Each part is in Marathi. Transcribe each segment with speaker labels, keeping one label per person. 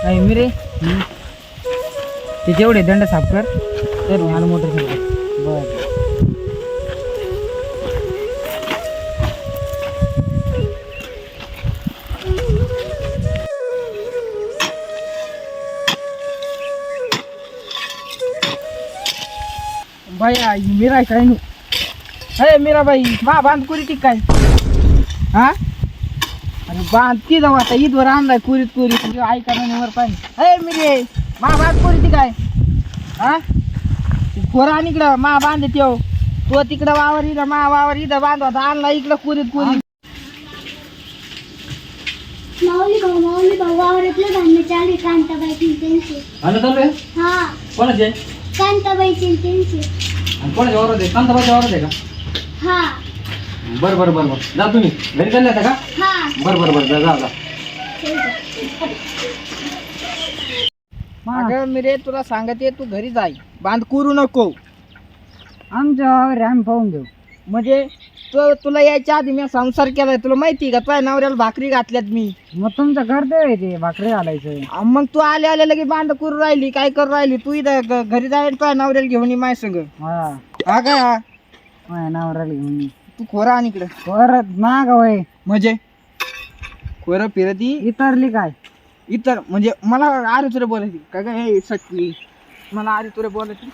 Speaker 1: काय मी रे ते जेवढे दंड साफ कर तर मला मोटरसायकल बर. बाई मीरा काय नाही अरे मीरा बाई मा बांध कुरी ती काय हा अरे बांध ती जाऊ आता ईदवर आणलाय कुरीत कुरी तुझी आई करणार वर पाहिजे अरे मिरे मा बांध कुरी ती काय हा खोरा आणि इकडं मा बांध ठेव तो तिकडं वावर इथं मा वावर इथं बांध होता आणला इकडं कुरीत कुरी.
Speaker 2: माऊली भाऊ वावरातलं धान्य चालू कांताबाईची त्यांचे हा
Speaker 3: कोणाचे
Speaker 2: कांताबाईची त्यांचे
Speaker 3: कोणाच्या वावरात आहे कांताबाईच्या वावरात आहे का
Speaker 2: हा
Speaker 3: बरं बरं बरं बरं जा तुम्ही घरी चालले आता का
Speaker 2: हा
Speaker 3: बरं बरं बरं जा जा
Speaker 1: अगं मिरे तुला सांगते तू घरी जाय बांध करू नको
Speaker 4: आमच्या वावर आम्ही पाहून घेऊ.
Speaker 1: म्हणजे तुला यायच्या आधी मी संसार केलाय तुला माहिती का तुझ्या नवऱ्याला भाकरी घातल्यात मी.
Speaker 4: मग तुमचं कर्तव्य आहे ते भाकरी घालायचं.
Speaker 1: मग तू आले आले लगे बांध करू राहिली काय करू राहिली तू इथं घरी जाय तुझ्या नवऱ्याला घेऊन ये माझ्या संग
Speaker 4: हा
Speaker 1: हा काय हा
Speaker 4: माझ्या नावराला घेऊन ये.
Speaker 1: तू खोरा आणि इकडं
Speaker 4: परत माग वय
Speaker 1: म्हणजे खोरं फिरती
Speaker 4: इतरली काय
Speaker 1: इतर म्हणजे मला आरे तुरे बोलायची काय काय हे सटली मला आरे तुरे बोलायची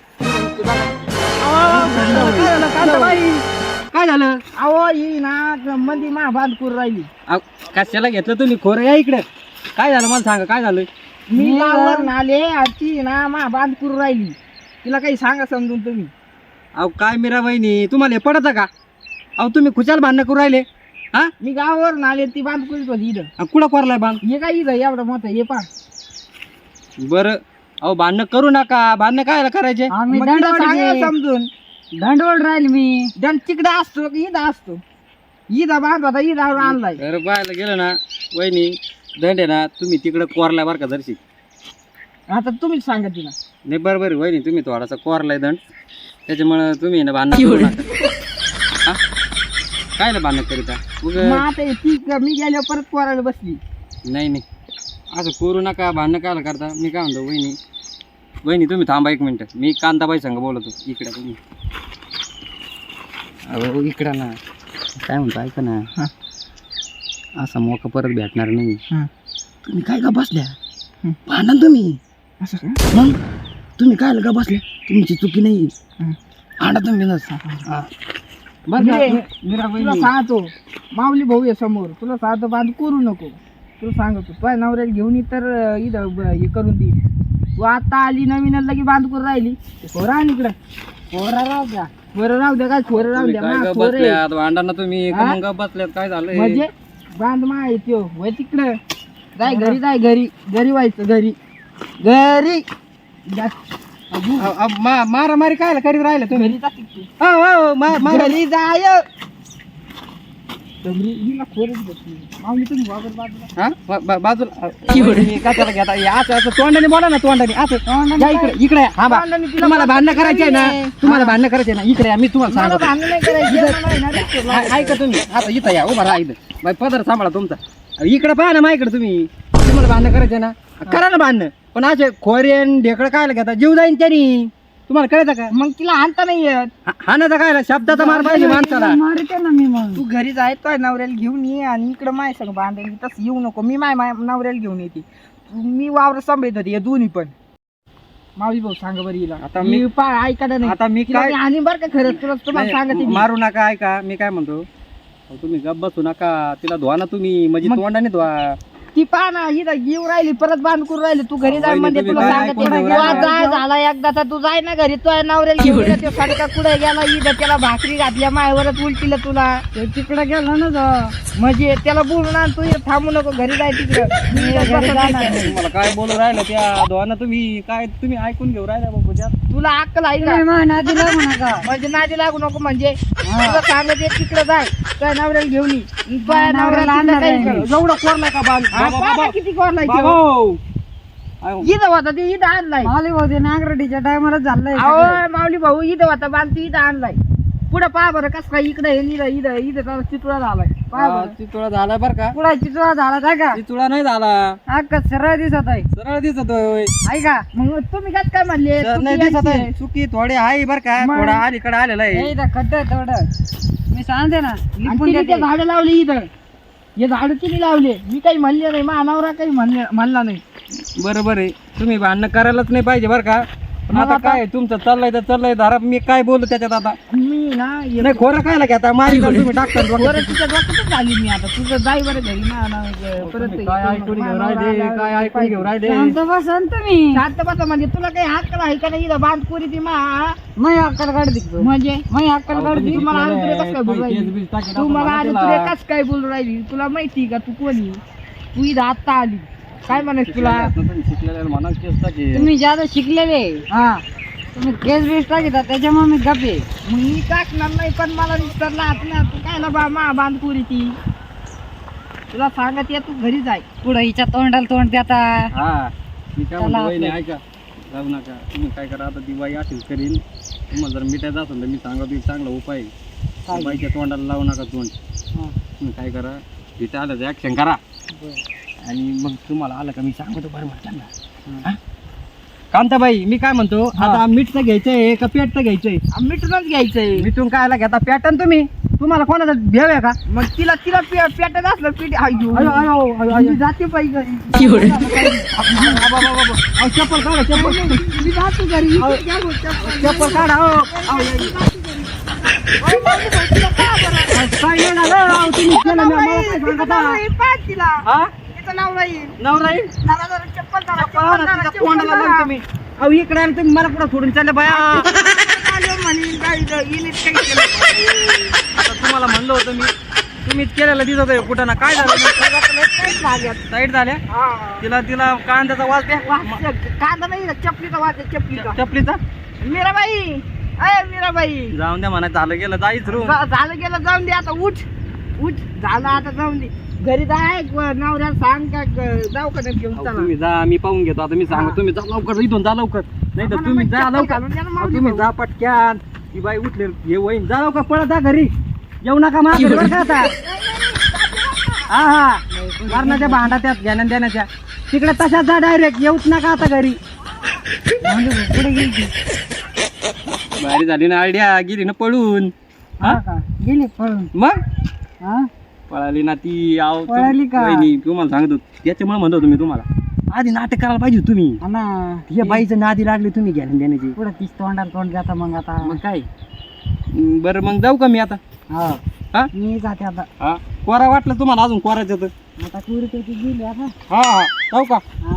Speaker 3: काय झालं
Speaker 1: अहो ही ना मंदी मा बांध करू राहिली
Speaker 3: कशाला घेतलं तुम्ही खोरं या इकडे काय झालं मला सांगा काय झालं
Speaker 1: मी गावावर आले ती ना मा बांध करू राहिली तिला काही सांगा समजून तुम्ही.
Speaker 3: अहो काय मीरा वहिनी तुम्हाला हे पडतं का अहो तुम्ही खुशाल भांडणं करू राहिले हा
Speaker 1: मी गावावर आले ती बांध करीत होती इथं
Speaker 3: कुठं कोरलाय बांध
Speaker 1: हे काय इथं एवढं मोठं हे पा
Speaker 3: बरं अहो भांडणं करू नका भांडणं काय करायचे
Speaker 4: आम्ही
Speaker 1: मग तिला सांगा
Speaker 4: दंडवड
Speaker 1: समजून
Speaker 4: दंडवड राहील मी.
Speaker 1: दंड तिकडे असतो की इथं असतो इथं बांध होता इथं आणलाय.
Speaker 3: तर पाहायला गेलं ना वहिनी दंड आहे ना तुम्ही तिकडं कोरलाय बरं का दर्शी
Speaker 1: आता तुम्हीच सांगा तिला.
Speaker 3: नाही बरोबर आहे वहिनी तुम्ही थोडासा कोरलाय दंड त्याच्यामुळं तुम्ही ना भांडणं करू नका हा काय ना भांडणं करीता
Speaker 1: मग आता ती मी गेल्यावर परत पोरायला बसली.
Speaker 3: नाही नाही असं करू नका भांडणं कायला करता मी काय म्हणतो वहिनी वहिनी तुम्ही थांबा एक मिनटं मी कांताबाई संग बोलतो इकडे तुम्ही अहो इकडं ना काय म्हणतो ऐका ना असा मोका परत भेटणार नाही तुम्ही काय का बसल्या भांडण तुम्ही
Speaker 1: असं का
Speaker 3: मग तुम्ही काय का बसल्या तुमची चुकी नाही भांडा तुम्ही
Speaker 1: तुला सांगतो माऊली भाऊ आहे समोर तुला सांगतो बांध करू नको तुला सांगतो तुझ्या नवऱ्याला घेऊन इतर इथं हे करून दे तू आता आली नवीन लगी बांध करून राहिली खोरा आणि इकडं खोरा राहू द्या खोरं राहू द्या काय खोरं राहू द्या मा खोरं आहे.
Speaker 3: भांडणं तुम्ही
Speaker 1: हा?
Speaker 3: मग बसल्यात काय झालं
Speaker 1: म्हणजे बांध मा येतो वय तिकडं जाय घरी जाय घरी घरी व्हायचं घरी घरी
Speaker 3: मारामारी काय करीत राहिलं तुम्ही
Speaker 1: घरी जा तिकडे. घरी जाय हिला खोरच बसली माऊली तुम्ही वागर बाजूला
Speaker 3: हा बाजूला काय त्याला घेता असं असं तोंडाने बोला ना तोंडाने असं या इकडे इकडे हा बा तुम्हाला भांडणं करायचे ना तुम्हाला भांडणं करायचे ना इकडे या, मी तुम्हाला
Speaker 1: मला
Speaker 3: सांगतो
Speaker 1: भांडण नाही करायची मला आहे ना रिक्षा
Speaker 3: ऐका तुम्ही आता इथं या उभा राहा इथं बाई पदर सांभाळा तुमचा इकडे पहा ना माझ्याकडे तुम्हाला भांडणं करायचे ना करा ना भांडणं पण असे खोरेन ढेकळं काय घेता जीव जाईन त्यांनी तुम्हाला कळतं का
Speaker 1: मग तिला आणता नाही येत
Speaker 3: हा ना काय शब्दाचा मार पाहिजे माणसाला
Speaker 4: मारते ना मी मग.
Speaker 1: तू घरी जाय तो नवऱ्याला घेऊन ये आणि इकडं माय सगळं बांधायला तसं येऊ नको मी माय नवऱ्याला घेऊन येते मी वावर सांभाळत होते या दोन्ही पण मावली भाऊ सांगा बरं हिला
Speaker 3: आता
Speaker 1: मी ऐका नाही
Speaker 3: आता मी काय
Speaker 1: आणि बरं का खरंच तुला तुम्हाला सांगते
Speaker 3: नाही,
Speaker 1: मी.
Speaker 3: मारू नका ऐका मी काय म्हणतो अहो, तुम्ही गप बसू नका तिला धुवा ना तुम्ही म्हणजे
Speaker 1: मग-
Speaker 3: तोंडाने धुवा
Speaker 1: ती पहा ना इथं येऊ राहिली परत बांध करून राहिली तू घरी जाय
Speaker 3: वहिनी,
Speaker 1: म्हणजे
Speaker 3: तुम्ही
Speaker 1: तुला
Speaker 3: काय
Speaker 1: सांगते
Speaker 3: ऐकून
Speaker 1: ना,
Speaker 3: घेऊ
Speaker 1: तू
Speaker 3: राहिला?
Speaker 1: जाय झाला एकदा तर तू जाय ना घरी तो नवऱ्याला घेऊन ये, तो सडका कुठे गेला इथं त्याला भाकरी घातल्या मायवरच उलटीला तुला
Speaker 4: ते तिकडे गेला ना जा
Speaker 1: म्हणजे त्याला बोलून आण तू इथं थांबू नको घरी जाय तिकडं मी इथं
Speaker 4: घरी
Speaker 1: बसत
Speaker 4: जाणार
Speaker 1: नाही.
Speaker 4: नाही.
Speaker 3: तुम्हाला काय बोलू राहिलं त्या धुवाना तुम्ही काय तुम्ही ऐकून घेऊ राहिला बाबू ज्या
Speaker 1: तुला अक्कल आहे का
Speaker 4: तुम्ही माझ्या नादी लागू नका.
Speaker 1: म्हणजे नादी लागू नको म्हणजे तुला सांगत एक तिकडे जाय तुझ्या नवऱ्याला घेऊन ये तुझ्या
Speaker 4: नवऱ्याला
Speaker 1: नवऱ्याला
Speaker 4: आणणार
Speaker 1: काही
Speaker 4: आहे
Speaker 1: कर.
Speaker 4: मी.
Speaker 3: एवढं कोरलाय का बाल
Speaker 1: हा, पहा ना किती कोरलाय ते.
Speaker 3: बाबा
Speaker 1: इथं होता ते इथं आणलाय
Speaker 4: माऊली भाऊ ते नागरडीच्या टायमाला झालंय
Speaker 1: अहो माऊली भाऊ इथं होता बांधतो इथं आणलाय पुढं पहा बरं कसं काय इकडे इथं इथं इथं चितुळा झालाय
Speaker 3: चितुळा झाला बर का
Speaker 4: पुढे चितुळा झाला काय का
Speaker 3: चितुळा नाही झाला
Speaker 4: अख्खा सरळ दिसत आहे
Speaker 3: सरळ दिसतोय
Speaker 4: ऐका
Speaker 1: मग तुम्ही काय म्हणले
Speaker 3: नाही दिसत आहे चुकी थोडी आहे बर का
Speaker 4: मग.
Speaker 3: थोडा अलीकडे आलेला आहे
Speaker 4: हे इथं खड्ड आहे थोडं मी सांगते ना लिपून देते.
Speaker 1: झाडं लावली इथं हे झाडं तिने लावले मी काही म्हणले नाही मानावरा काही म्हणला नाही
Speaker 3: बरोबर आहे तुम्ही भांडणं करायलाच नाही पाहिजे बरं का पण आता काय तुमचं चाललंय तर चाललंय धारा मी काय बोलू त्याच्यात आता
Speaker 1: मी ना
Speaker 3: नाही खोरं काय लागेल आता माझी तुम्ही टाकता
Speaker 1: बरं तिच्या डोक्यातच झाली मी आता तुझं जाई बरं घरी परत
Speaker 3: काय ऐकून घेऊन राहिले काय ऐकून घेऊन राहिले
Speaker 4: शांत बसा ना तुम्ही
Speaker 1: शांत बसा म्हणजे तुला काही हक्क आहे का नाही इथं बांध पुरी ती
Speaker 4: मी अक्कल काढ दिसतो
Speaker 1: म्हणजे
Speaker 4: मी अक्कल काढ
Speaker 1: तुम्ही
Speaker 4: दिसतो
Speaker 1: मला आलं तुला कसं काय बोलू राहिली तू मला आलं तुला कसं काय बोलू राहिली तुला माहिती का तू कोणी तू इथं आत्ता आली काय म्हणायचं तुला
Speaker 3: शिकलेल्या म्हणा केस टाकी
Speaker 4: तुम्ही ज्यादा शिकलेले
Speaker 1: हा
Speaker 4: तुम्ही केस बेस टाकता त्याच्यामुळे मी गपे
Speaker 1: मग मी टाकणार नाही पण मला विचारला ना तू काय ना मा बांध पुरी ती तुला सांगत ये तू घरी जाय
Speaker 4: पुढे हिच्या तोंडाला तोंड देता
Speaker 3: हा मी काय म्हणतो
Speaker 4: चला
Speaker 3: वहिनी
Speaker 4: आपलं.
Speaker 3: ऐका जाऊ नका तुम्ही काय करा आता ती बाई अशीच करीन तुम्हाला जर मिठायचं असेल तर मी सांगतो एक चांगला उपाय आहे. त्या बाईच्या तोंडाला लावू नका तोंड तुम्ही काय करा तिथे आलं तर ऍक्शन करा आणि मग तुम्हाला आलं का मी सांगतो बरं म्हटलं कांताबाई मी काय म्हणतो आता मीठचं घ्यायचंय का पेटचं घ्यायचंय
Speaker 1: मिठूनच घ्यायचंय
Speaker 3: मिठून कायला घेता पॅटर्न तुम्ही तुम्हाला कोणाचा भेव आहे का
Speaker 1: मग तिला पेटत असलं पीठ मी जाते पाहिजे
Speaker 3: चप्पल काढा चप्पल
Speaker 1: मी जाते घरी
Speaker 3: चप्पल काढा काय नाही झालं राव, तुम्ही केलं मी आम्हाला काय सांगता?
Speaker 1: तिला
Speaker 3: हा?
Speaker 1: तिचं नाव राहील
Speaker 3: नवरा येईल?
Speaker 1: जरा जरा चप्पल काढा,
Speaker 3: चप्पल आणा,
Speaker 1: चप्पल
Speaker 3: तिच्या तोंडाला लावून तुम्ही. अहो इकडे आले तुम्ही मला कुठं सोडून चालले बाया
Speaker 1: म्हणेन काय इनीत काही केलं
Speaker 3: आता तुम्हाला म्हणलं होतं मी तुम्हीच केलेलं दिसत आहे कुठं ना काय झालं साईड झाल्या तिला तिला कांद्याचा वास द्या
Speaker 1: कांदा नाही चपलीचा वाज चपलीचा
Speaker 3: चपलीचा
Speaker 1: मीराबाई अय मीराबाई
Speaker 3: जाऊन द्या म्हणा झालं गेलं जाईच रू
Speaker 1: झालं गेलं जाऊन दे आता उठ उठ झालं आता जाऊन दे घरी जाय नवऱ्याला सांग का जाऊ का नाही घेऊन चला
Speaker 3: तुम्ही जा मी पाहून घेतो आता मी सांगतो तुम्ही जा लवकर इथून जा लवकर नाही तर तुम्ही जा लवकर अहो, तुम्ही जा पटक्यान ती बाई उठले हे वहीन जा लवकर पळत जा घरी येऊ नका माझ्या घरी बरं का आता हा हा मारण्याच्या भांडा त्यात घेण्या देण्याच्या तिकडे तशाच जा डायरेक्ट येऊच नका आता घरी
Speaker 4: पुढे गेली
Speaker 3: भारी झाली ना आयडिया गेली ना पळून हा
Speaker 4: गेली पळून
Speaker 3: मग
Speaker 4: हा
Speaker 3: पळाली ना ती आव
Speaker 4: पळाली का?
Speaker 3: वहिनी तुम्हाला सांगतो त्याच्यामुळे म्हणतो तुम्ही तुम्हाला आधी नाटक करायला पाहिजे तुम्ही
Speaker 4: हा ना
Speaker 3: या बाईचं नादी लागली तुम्ही घेण्या देण्याची
Speaker 4: पुढे तीच तोंडाला तोंड देता मग आता
Speaker 3: मग काय बरं मग जाऊ का मी आता
Speaker 4: हा
Speaker 3: हा
Speaker 4: मी जाते आता
Speaker 3: हा कोरा वाटलं तुम्हाला अजून कोरायचं तर
Speaker 4: आता कुरी त्याची गेली आता
Speaker 3: हा हा जाऊ का
Speaker 4: हा